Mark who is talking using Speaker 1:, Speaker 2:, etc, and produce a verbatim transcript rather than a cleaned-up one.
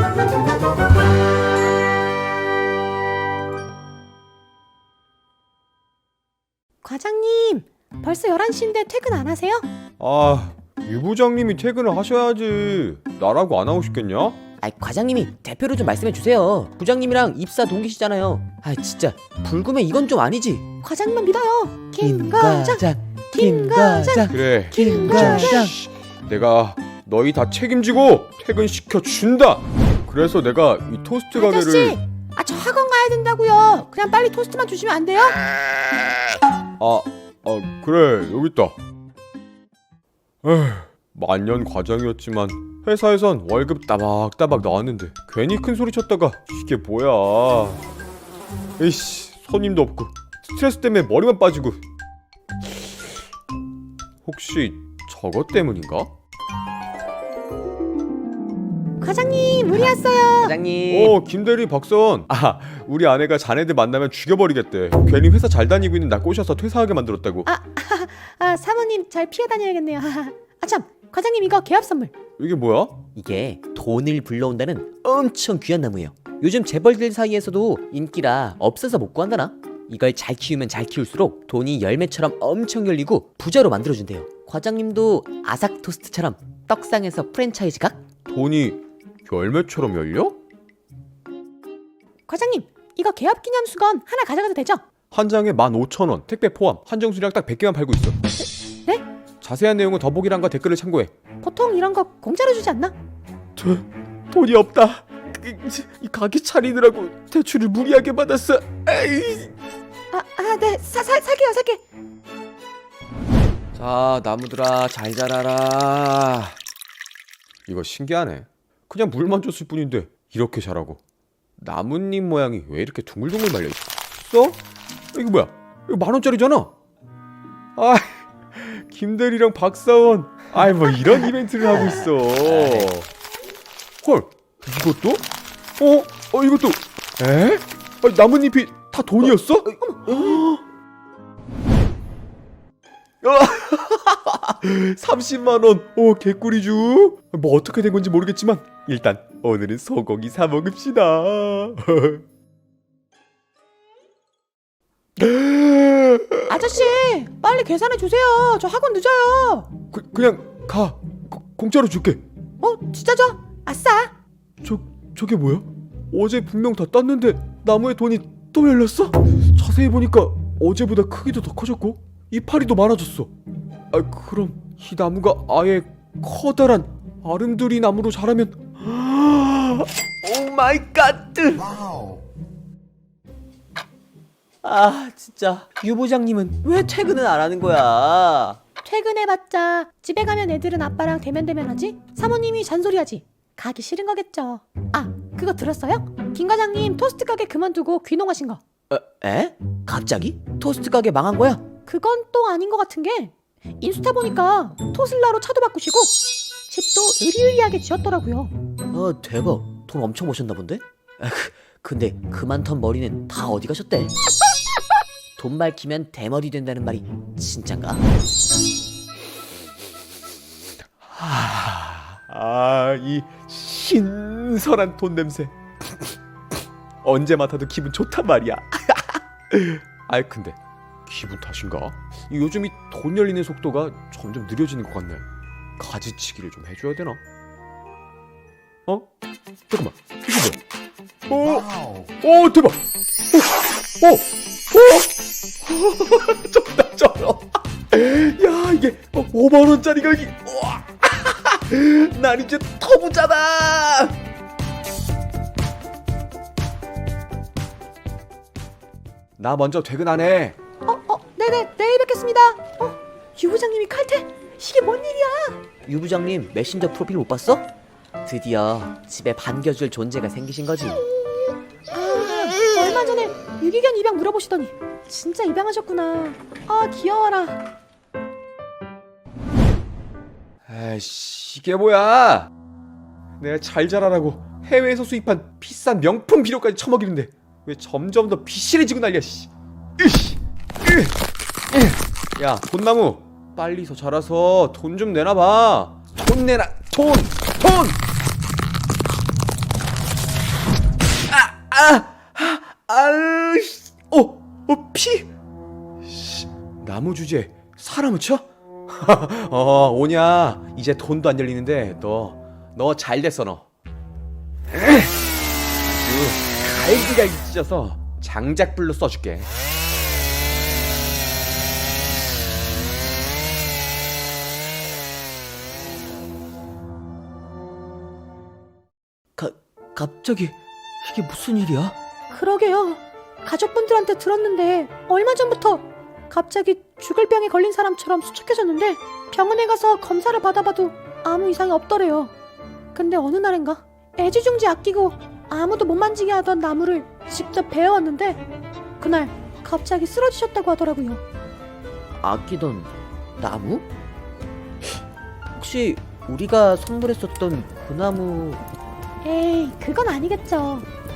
Speaker 1: 과장님, 벌써 열한 시인데 퇴근 안 하세요?
Speaker 2: 아, 유 부장님이 퇴근을 하셔야지. 나라고 안 하고 싶겠냐?
Speaker 3: 아, 과장님이 대표로 좀 말씀해 주세요. 부장님이랑 입사 동기시잖아요. 아, 진짜 불금에 이건 좀 아니지.
Speaker 1: 과장님만 믿어요. 김 과장, 김 과장.
Speaker 2: 그래,
Speaker 1: 김
Speaker 2: 부장,
Speaker 1: 과장.
Speaker 2: 씨, 내가 너희 다 책임지고 퇴근시켜준다. 그래서 내가 이 토스트 가게를.
Speaker 1: 아저씨, 아, 저 학원 가야 된다고요. 그냥 빨리 토스트만 주시면 안 돼요?
Speaker 2: 아, 아 그래, 여기 있다. 에휴, 만년 과장이었지만 회사에선 월급 따박따박 나왔는데 괜히 큰 소리 쳤다가 이게 뭐야. 에이씨, 손님도 없고 스트레스 때문에 머리만 빠지고. 혹시 저것 때문인가?
Speaker 1: 과장님, 우리 왔어요.
Speaker 3: 과장님.
Speaker 2: 어, 김대리, 박사원. 아, 우리 아내가 자네들 만나면 죽여버리겠대. 괜히 회사 잘 다니고 있는 나 꼬셔서 퇴사하게 만들었다고.
Speaker 1: 아, 아, 사모님 잘 피해 다녀야겠네요. 아, 참, 과장님 이거 개업 선물.
Speaker 2: 이게 뭐야?
Speaker 3: 이게 돈을 불러온다는 엄청 귀한 나무예요. 요즘 재벌들 사이에서도 인기라 없어서 못 구한다나? 이걸 잘 키우면 잘 키울수록 돈이 열매처럼 엄청 열리고 부자로 만들어준대요. 과장님도 아삭 토스트처럼 떡상에서 프랜차이즈 각?
Speaker 2: 돈이 열매처럼 열려?
Speaker 1: 과장님, 이거 개업 기념 수건 하나 가져가도 되죠?
Speaker 2: 한 장에 만 오천 원, 택배 포함. 한정 수량 딱 백 개만 팔고 있어.
Speaker 1: 네?
Speaker 2: 자세한 내용은 더보기란과 댓글을 참고해.
Speaker 1: 보통 이런 거 공짜로 주지 않나?
Speaker 2: 저, 돈이 없다. 이 가게 차리느라고 대출을 무리하게 받았어. 에이.
Speaker 1: 아, 아, 네, 사, 사, 살게요, 살게.
Speaker 2: 자, 나무들아 잘 자라라. 이거 신기하네. 그냥 물만 줬을 뿐인데 이렇게 자라고. 나뭇잎 모양이 왜 이렇게 둥글둥글 말려있어? 이거 뭐야? 이거 만원짜리잖아. 아, 김대리랑 박사원. 아이, 뭐 이런 이벤트를 하고 있어. 헐, 이것도? 어? 어, 이것도? 에? 아니, 나뭇잎이 다 돈이었어? 삼십만 원. 오, 개꿀이죠. 뭐 어떻게 된 건지 모르겠지만 일단 오늘은 소고기 사 먹읍시다.
Speaker 1: 아저씨, 빨리 계산해 주세요. 저 학원 늦어요.
Speaker 2: 그, 그냥 가. 고, 공짜로 줄게.
Speaker 1: 어, 진짜죠? 아싸.
Speaker 2: 저, 저게 뭐야? 어제 분명 다 땄는데 나무에 돈이 또 열렸어? 자세히 보니까 어제보다 크기도 더 커졌고 이파리도 많아졌어. 아, 그럼 이 나무가 아예 커다란 아름드리 나무로 자라면 오 마이 갓!
Speaker 3: 아, 진짜 유 부장님은 왜 퇴근을 안 하는 거야?
Speaker 1: 퇴근해봤자 집에 가면 애들은 아빠랑 대면대면하지? 사모님이 잔소리하지? 가기 싫은 거겠죠. 아, 그거 들었어요? 김 과장님 토스트 가게 그만두고 귀농하신 거.
Speaker 3: 에? 에? 갑자기? 토스트 가게 망한 거야?
Speaker 1: 그건 또 아닌 것 같은 게 인스타 보니까 토슬라로 차도 바꾸시고 집도 으리으리하게 지었더라고요.
Speaker 3: 아, 대박. 돈 엄청 버셨나 본데? 아, 그, 근데 그만 턴 머리는 다 어디 가셨대? 돈 밝히면 대머리 된다는 말이 진짠가?
Speaker 2: 아, 이 신선한 돈 냄새. 언제 맡아도 기분 좋단 말이야. 아이, 근데 기분 탓인가? 요즘 이 돈 열리는 속도가 점점 느려지는 것 같네. 가지치기를 좀 해줘야 되나? 어? 잠깐만, 이거 뭐야? 어? 어, 대박! 어? 어? 어? 쩐다, 쩔어. 야, 이게 오만 원짜리가 여기. 우와. 난 이제 터부자다. 나 먼저 퇴근하네.
Speaker 1: 어, 어, 네네, 내일 뵙겠습니다. 어, 유 부장님이 칼퇴? 이게 뭔 일이야?
Speaker 3: 유 부장님 메신저 프로필 못 봤어? 드디어 집에 반겨줄 존재가 생기신 거지.
Speaker 1: 아, 얼마 전에 유기견 입양 물어보시더니 진짜 입양하셨구나. 아, 귀여워라.
Speaker 2: 에이씨, 이게 뭐야? 내가 잘 자라라고 해외에서 수입한 비싼 명품 비료까지 처먹이는데 왜 점점 더 비실해지고 난리야. 씨. 으이씨. 으. 으. 야, 돈나무 빨리 더 자라서 돈 좀 내놔봐. 돈 내놔. 돈! 돈! 아, 아, 아으, 씨. 어, 어, 피. 씨, 나무 주제 사람을 쳐? 어, 오냐. 이제 돈도 안 열리는데 너, 너 잘 됐어 너. 아주 갈기갈기 찢어서 장작불로 써줄게.
Speaker 3: 가, 갑자기 이게 무슨 일이야?
Speaker 1: 그러게요. 가족분들한테 들었는데 얼마 전부터 갑자기 죽을 병에 걸린 사람처럼 수척해졌는데 병원에 가서 검사를 받아봐도 아무 이상이 없더래요. 근데 어느 날인가 애지중지 아끼고 아무도 못 만지게 하던 나무를 직접 베어왔는데 그날 갑자기 쓰러지셨다고 하더라고요.
Speaker 3: 아끼던 나무? 혹시 우리가 선물했었던 그 나무?
Speaker 1: 에이, 그건 아니겠죠.